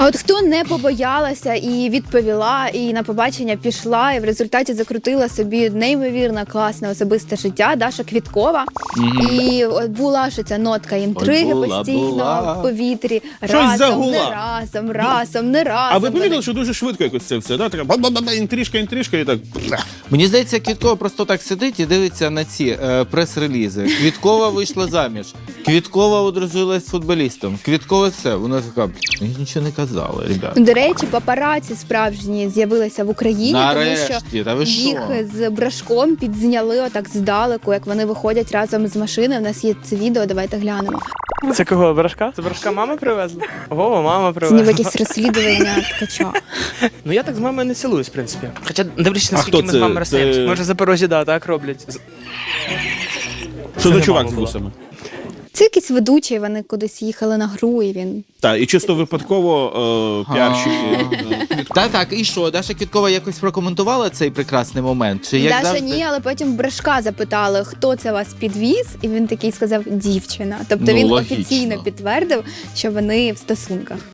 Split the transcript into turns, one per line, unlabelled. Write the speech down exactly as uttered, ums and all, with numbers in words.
А от хто не побоялася і відповіла, і на побачення пішла, і в результаті закрутила собі неймовірно класне особисте життя, Даша Квіткова.
Мгм.
І от була ж ця нотка інтриги
Ой, була,
постійно
була.
в повітрі.
Щось
Разом,
загула.
не разом, разом, не разом.
А ви помітили,
Вони-
що дуже швидко якось це все, да? Така ба-ба-ба, інтрижка, інтрижка і так.
Мені здається, Квіткова просто так сидить і дивиться на ці е, прес-релізи. Квіткова вийшла заміж. Квіткова одружилась з футболістом. Квіткова це. Вона така, мені нічого не казали, ребята.
До речі, папараці справжні з'явилися в Україні, тому
Нарешті,
що
та ви що?
їх з брашком підзняли отак здалеку, як вони виходять разом з машини. У нас є це відео, давайте глянемо.
Це кого, Брашка? Це Брашка мама привезла? Ого, мама
Це ніби
привезла.
якесь розслідування ткача.
Ну я так з мамою не цілуюсь, в принципі. Хоча дивлячись,
А
наскільки
хто
ми
це?
з мамою
Це-
розстаємося. Може, Запорожжі, да, так роблять. З-
Що
Це
за
не
чувак
мама
з
була.
вусами?
Це якийсь ведучий, вони кудись їхали на гру, і він...
Так, і чисто випадково е, піарщики. е,
Так, так, і що? Даша Квіткова якось прокоментувала цей прекрасний момент? Чи як
Даша
завжди?
ні, але потім Брашка запитали, хто це вас підвіз, і він такий сказав, дівчина. Тобто
Ну,
він
логічно.
офіційно підтвердив, що вони в стосунках.